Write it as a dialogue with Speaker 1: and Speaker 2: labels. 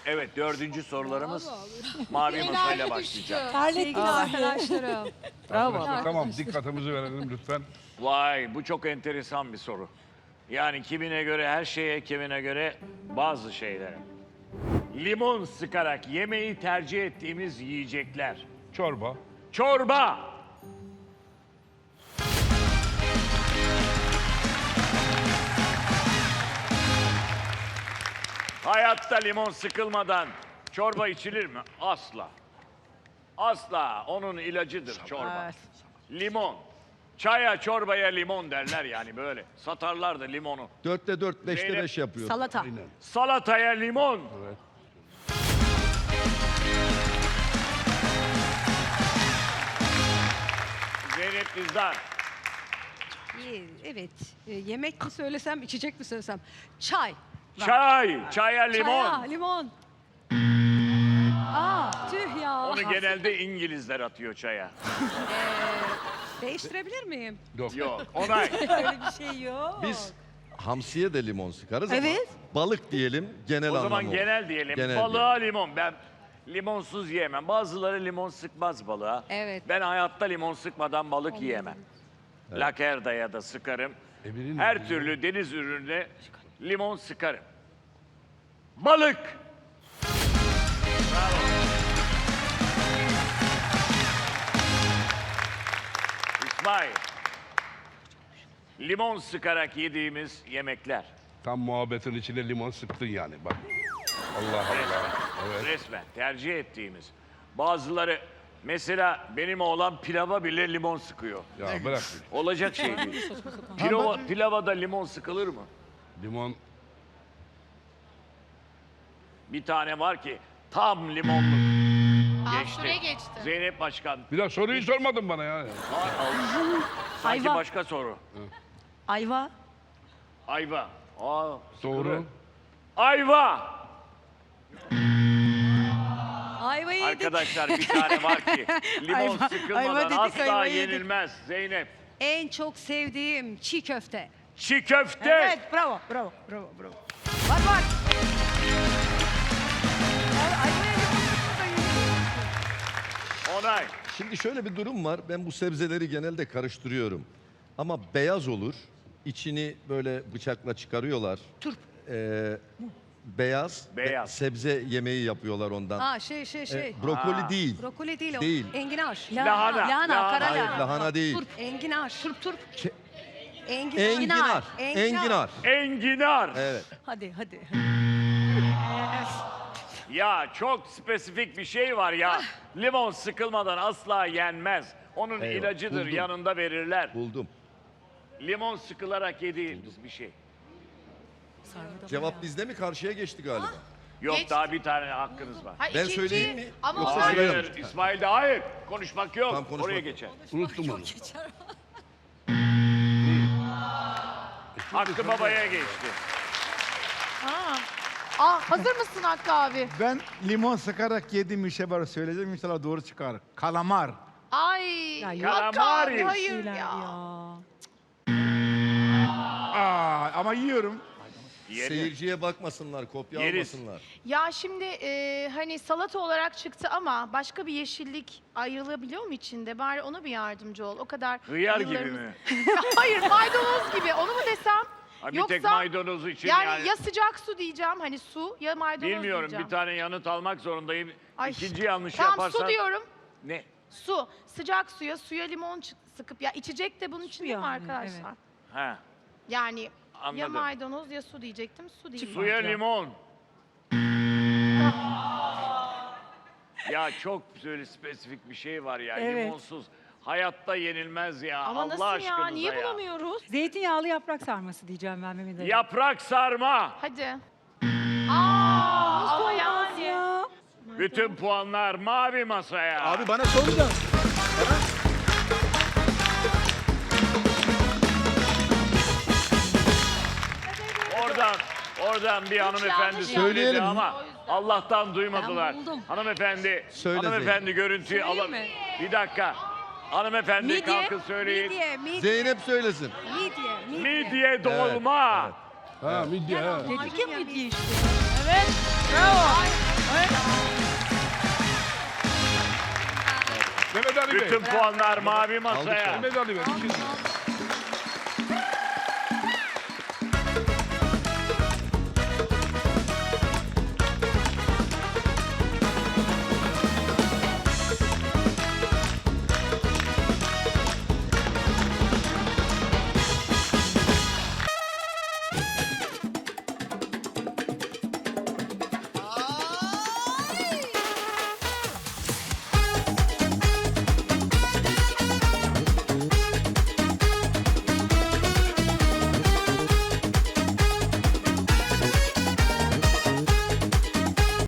Speaker 1: Evet, dördüncü sorularımız mavi masayla başlayacak.
Speaker 2: Terlettik arkadaşlarım.
Speaker 3: Bravo. Tamam, dikkatimizi verelim lütfen.
Speaker 1: Vay, bu çok enteresan bir soru. Yani kimine göre her şeye, kimine göre bazı şeylere. Limon sıkarak yemeği tercih ettiğimiz yiyecekler.
Speaker 3: Çorba.
Speaker 1: Çorba. Hayatta limon sıkılmadan çorba içilir mi? Asla. Asla. Onun ilacıdır çorba. Limon. Çaya, çorbaya limon derler yani böyle. Satarlar da limonu.
Speaker 4: 4'te 4, 5'te
Speaker 1: Zeynep.
Speaker 4: 5 yapıyor.
Speaker 2: Salata.
Speaker 3: Aynen.
Speaker 1: Salataya limon.
Speaker 3: Evet.
Speaker 1: Zeynep Dizdar.
Speaker 2: Evet. Yemek mi söylesem, içecek mi söylesem? Çay.
Speaker 1: Çay. Çaya limon.
Speaker 2: Çaya, limon. Tüh ya.
Speaker 1: Onu genelde İngilizler atıyor çaya.
Speaker 2: Değiştirebilir miyim?
Speaker 3: Yok.
Speaker 1: Yok. Onay.
Speaker 2: Öyle bir şey yok.
Speaker 4: Biz hamsiye de limon sıkarız
Speaker 2: Evet.
Speaker 4: ama balık diyelim genel
Speaker 1: O
Speaker 4: anlamı.
Speaker 1: zaman genel diyelim.
Speaker 4: Genel
Speaker 1: Balığa limon. Ben limonsuz yiyemem. Bazıları limon sıkmaz balığa.
Speaker 2: Evet.
Speaker 1: Ben hayatta limon sıkmadan balık yiyemem. Lakerdaya da sıkarım.
Speaker 3: Emir'in
Speaker 1: Her
Speaker 3: mi?
Speaker 1: türlü deniz ürününe limon sıkarım. Balık. Bravo. İsmail. Limon sıkarak yediğimiz yemekler.
Speaker 3: Tam muhabbetin içine limon sıktın yani bak. Allah Allah. Evet.
Speaker 1: Resmen tercih ettiğimiz. Bazıları mesela benim oğlan pilava bile limon sıkıyor.
Speaker 3: Ya bırak.
Speaker 1: Olacak şey değil. Pilava da limon sıkılır mı?
Speaker 3: Limon.
Speaker 1: Bir tane var ki tam limonlu.
Speaker 5: Süre geçti.
Speaker 1: Zeynep Başkan.
Speaker 3: Bir daha soruyu sormadın bana ya.
Speaker 1: Sanki
Speaker 2: Ayva.
Speaker 1: başka soru.
Speaker 2: Ayva.
Speaker 1: Ayva. Aa,
Speaker 3: Doğru.
Speaker 1: sıkılır. Ayva.
Speaker 2: Ayva yedik.
Speaker 1: Arkadaşlar bir tane var ki limon
Speaker 2: Ayva
Speaker 1: sıkılmadan
Speaker 2: dedik,
Speaker 1: asla
Speaker 2: ayva yedik.
Speaker 1: yenilmez. Zeynep.
Speaker 2: En çok sevdiğim çiğ köfte.
Speaker 1: Çiğ köfte.
Speaker 2: Evet, bravo. Var. Ayva yedik.
Speaker 1: Onay.
Speaker 4: Şimdi şöyle bir durum var. Ben bu sebzeleri genelde karıştırıyorum. Ama beyaz olur. İçini böyle bıçakla çıkarıyorlar.
Speaker 2: Turp.
Speaker 4: Beyaz.
Speaker 1: Beyaz.
Speaker 4: Sebze yemeği yapıyorlar ondan.
Speaker 2: Brokoli
Speaker 4: Brokoli değil.
Speaker 2: Brokoli değil o.
Speaker 4: Değil.
Speaker 2: Enginar.
Speaker 1: Lahana.
Speaker 2: Lahana, kara
Speaker 4: Hayır,
Speaker 2: lahana.
Speaker 4: lahana değil.
Speaker 2: Turp, enginar. Turp.
Speaker 4: Enginar. Enginar.
Speaker 1: Enginar.
Speaker 4: Evet.
Speaker 2: Hadi.
Speaker 1: Ya çok spesifik bir şey var ya. Limon sıkılmadan asla yenmez. Onun
Speaker 4: Eyvah,
Speaker 1: ilacıdır,
Speaker 4: buldum.
Speaker 1: yanında verirler.
Speaker 4: Buldum.
Speaker 1: Limon sıkılarak yediğimiz bir şey.
Speaker 4: Cevap bizde mi? Karşıya geçti galiba.
Speaker 1: Yok
Speaker 5: Geç.
Speaker 1: daha bir tane hakkınız var.
Speaker 5: Hayır,
Speaker 4: Ben
Speaker 5: ikinci,
Speaker 4: söyleyeyim mi?
Speaker 5: Ama
Speaker 4: Yoksa
Speaker 5: o-
Speaker 4: söyle-
Speaker 1: Hayır, İsmail'de hayır. Konuşmak yok.
Speaker 4: Tamam, konuşmak
Speaker 1: Oraya
Speaker 4: yok.
Speaker 1: geçer.
Speaker 3: Unuttum onu.
Speaker 1: Hakkı Baba'ya geçti.
Speaker 5: hazır mısın Hakkı abi?
Speaker 6: Ben limon sıkarak yediğim bir şey var söyleyeceğim inşallah doğru çıkar. Kalamar.
Speaker 5: Ay,
Speaker 2: Ya,
Speaker 5: Hakkı
Speaker 1: Kalamari.
Speaker 5: abi hayır
Speaker 2: Ya.
Speaker 5: ya.
Speaker 6: Ama yiyorum.
Speaker 1: Yedi.
Speaker 4: Seyirciye bakmasınlar, kopya
Speaker 1: Yeriz.
Speaker 4: almasınlar.
Speaker 5: Ya şimdi hani salata olarak çıktı ama başka bir yeşillik ayrılabiliyor mu içinde? Bari ona bir yardımcı ol. O kadar
Speaker 1: Hıyar gibi
Speaker 5: yıllarımız-
Speaker 1: mi?
Speaker 5: Hayır, maydanoz gibi. Onu mu desem?
Speaker 1: Ha, bir
Speaker 5: Yoksa
Speaker 1: tek maydanozu için
Speaker 5: yani ya sıcak su diyeceğim hani su ya maydanoz
Speaker 1: Bilmiyorum,
Speaker 5: diyeceğim.
Speaker 1: bir tane yanıt almak zorundayım.
Speaker 5: Ay,
Speaker 1: İkinci yanlış
Speaker 5: tamam,
Speaker 1: yaparsan...
Speaker 5: su diyorum.
Speaker 1: Ne?
Speaker 5: Su. Sıcak suya limon sıkıp ya içecek de bunun için değil mi
Speaker 2: yani,
Speaker 5: arkadaşlar?
Speaker 1: Ha,
Speaker 5: Yani ya
Speaker 1: anladım.
Speaker 5: maydanoz ya su diyecektim. Su değil.
Speaker 1: Suya limon. Ya çok böyle spesifik bir şey var ya,
Speaker 2: Evet.
Speaker 1: limonsuz. Hayatta yenilmez ya,
Speaker 5: Ama
Speaker 1: Allah
Speaker 5: nasıl ya?
Speaker 1: aşkınıza
Speaker 5: Niye
Speaker 1: ya.
Speaker 5: bulamıyoruz?
Speaker 2: Zeytinyağlı yaprak sarması diyeceğim ben Mehmet Ali.
Speaker 1: Yaprak sarma.
Speaker 5: Hadi. Ama yani.
Speaker 2: Ya.
Speaker 1: Bütün puanlar mavi masaya.
Speaker 6: Abi bana soracaksın.
Speaker 1: Oradan bir hanımefendi
Speaker 5: yanlış
Speaker 1: söyledi
Speaker 4: Söyleyelim.
Speaker 1: ama
Speaker 5: O yüzden.
Speaker 1: Allah'tan duymadılar.
Speaker 2: Ben buldum.
Speaker 1: Hanımefendi,
Speaker 4: Söyle
Speaker 1: hanımefendi görüntüyü
Speaker 2: Söyleyeyim
Speaker 1: alın.
Speaker 2: mi?
Speaker 1: Bir dakika. Hanımefendi kalkın söyleyin.
Speaker 2: Midye.
Speaker 4: Zeynep söylesin.
Speaker 1: Midye dolma.
Speaker 3: Ha midye ha.
Speaker 2: Dedik ya midye işte.
Speaker 5: Evet. Bravo.
Speaker 3: Mehmet Ali Bey.
Speaker 1: Bütün puanlar mavi masaya.
Speaker 3: Mehmet Ali Bey.